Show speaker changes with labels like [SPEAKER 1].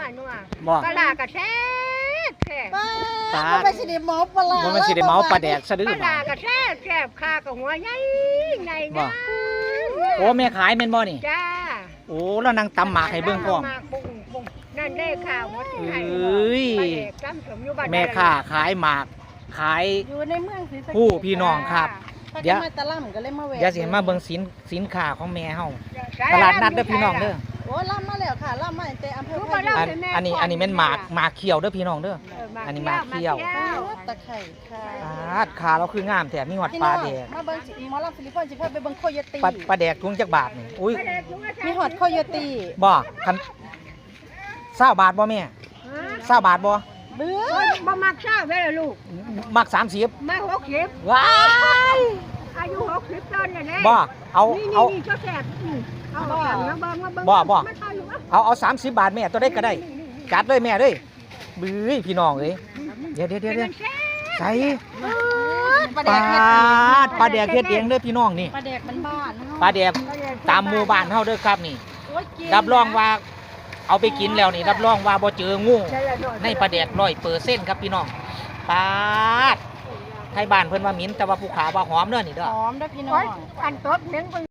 [SPEAKER 1] นัว
[SPEAKER 2] บ่
[SPEAKER 1] ปลาร้ากระแซ่บแซ่บ
[SPEAKER 2] ปลา
[SPEAKER 3] มันไม่ใช่ได้เมาปลาร้า
[SPEAKER 2] บ่มันสิได้เมาปลาแดกซะดื้
[SPEAKER 1] ป
[SPEAKER 2] อ
[SPEAKER 1] ลา
[SPEAKER 2] บ่
[SPEAKER 1] ร้ากระแซ่บแซ่บข้ากับหัวใหญ่ใน
[SPEAKER 2] บ่
[SPEAKER 1] นะ
[SPEAKER 2] โอ้แม่ขายแม่นบ่นี่
[SPEAKER 1] จ้า
[SPEAKER 2] โอ้แล้วนางตำหมากให้เบิ่งพร้อม
[SPEAKER 1] หากปุ้งปุ้งนั่นได้ข่าวหมดที่ไหน
[SPEAKER 2] เอ้ย
[SPEAKER 1] ปลาแดกจำสมอยู่บ้าน
[SPEAKER 2] แม่ค้าขายหมากขาย
[SPEAKER 3] อยู่ในเมืองศรีสะเกษ
[SPEAKER 2] ผู้พี่น้องครับ
[SPEAKER 3] ถ้า
[SPEAKER 2] เดี๋ยว
[SPEAKER 3] มาตะล่ำก็เลยมาแหวก
[SPEAKER 2] เดี๋ยวสิให้มาเบิ่งสินค้าของแม่เฮา
[SPEAKER 1] จ้
[SPEAKER 2] ตลาดนัดเด้อพี่น้องเด้อ
[SPEAKER 3] โอ้ล่ำมาแล้วค่ะล่ำมาตั้งแต่อำเภอ
[SPEAKER 1] รู้
[SPEAKER 3] พา
[SPEAKER 1] บ่
[SPEAKER 3] ยุ
[SPEAKER 1] ล่ะ
[SPEAKER 2] อันนี้แม่นหมากเขียวเด้อพี่น้องเด้อ อันนี้มาเที่ยว
[SPEAKER 3] ตะไคร่ค่ะ
[SPEAKER 2] ขาเราคืองามแท้มีหอด
[SPEAKER 3] พี่
[SPEAKER 2] ป
[SPEAKER 3] น้
[SPEAKER 2] ลา
[SPEAKER 3] อง
[SPEAKER 2] แดก
[SPEAKER 3] มาเบิ่งสิหมอลำฟิลิปปินส์สิพาไปเบิ่งโคโยตี้
[SPEAKER 2] ปลาแดกถุงจักบาทนี่อุ้ย
[SPEAKER 3] มีหอดโคโยตี้
[SPEAKER 2] บ่คัน20บาทบ่แม่20บาทบ่
[SPEAKER 3] เบื้อ
[SPEAKER 1] บ่มักเช้าเว้ยลูก
[SPEAKER 2] มัก30
[SPEAKER 1] มา60
[SPEAKER 2] ว้าย
[SPEAKER 1] อายุ60ต้นน่ะแน่
[SPEAKER 2] บ่เอา
[SPEAKER 1] นี่ก็แซ่บเอามาเบิ่งมาเบิ่ง
[SPEAKER 2] บ่
[SPEAKER 1] มาถ่ายอยู่วะ
[SPEAKER 2] เอา30 บาทแม่ตัวได้ก็ได้จัดเลยแม่เด้ยบื้อพี่น้องเอ้ยเดี๋ยวใส่
[SPEAKER 3] ปลา
[SPEAKER 2] ป
[SPEAKER 3] แด
[SPEAKER 2] ลาก
[SPEAKER 3] เฮ็ดเอง
[SPEAKER 2] ปลาแดกเฮ็ดเองเด้อพี่น้องนี่
[SPEAKER 3] ปลาแดกมันบ้านเนาะ
[SPEAKER 2] ปลาแดกตามหมู่บ้านเฮาเด้อครับนี่
[SPEAKER 3] โอ้ยเก่
[SPEAKER 2] รับรองว่าเอาไปกินแล้วนี่รับรองว่าบ่เจองูในปลาแดก100%ครับพี่น้องปาดไทยบ้านเพิ่นว่าหมิ่นแต่ว่าผู้ขาว่าหอมเด้อนี่เด้อ
[SPEAKER 3] หอมเด้อพี่น้อ
[SPEAKER 1] โอ้ย
[SPEAKER 3] ง
[SPEAKER 1] อันตบเลี้ยง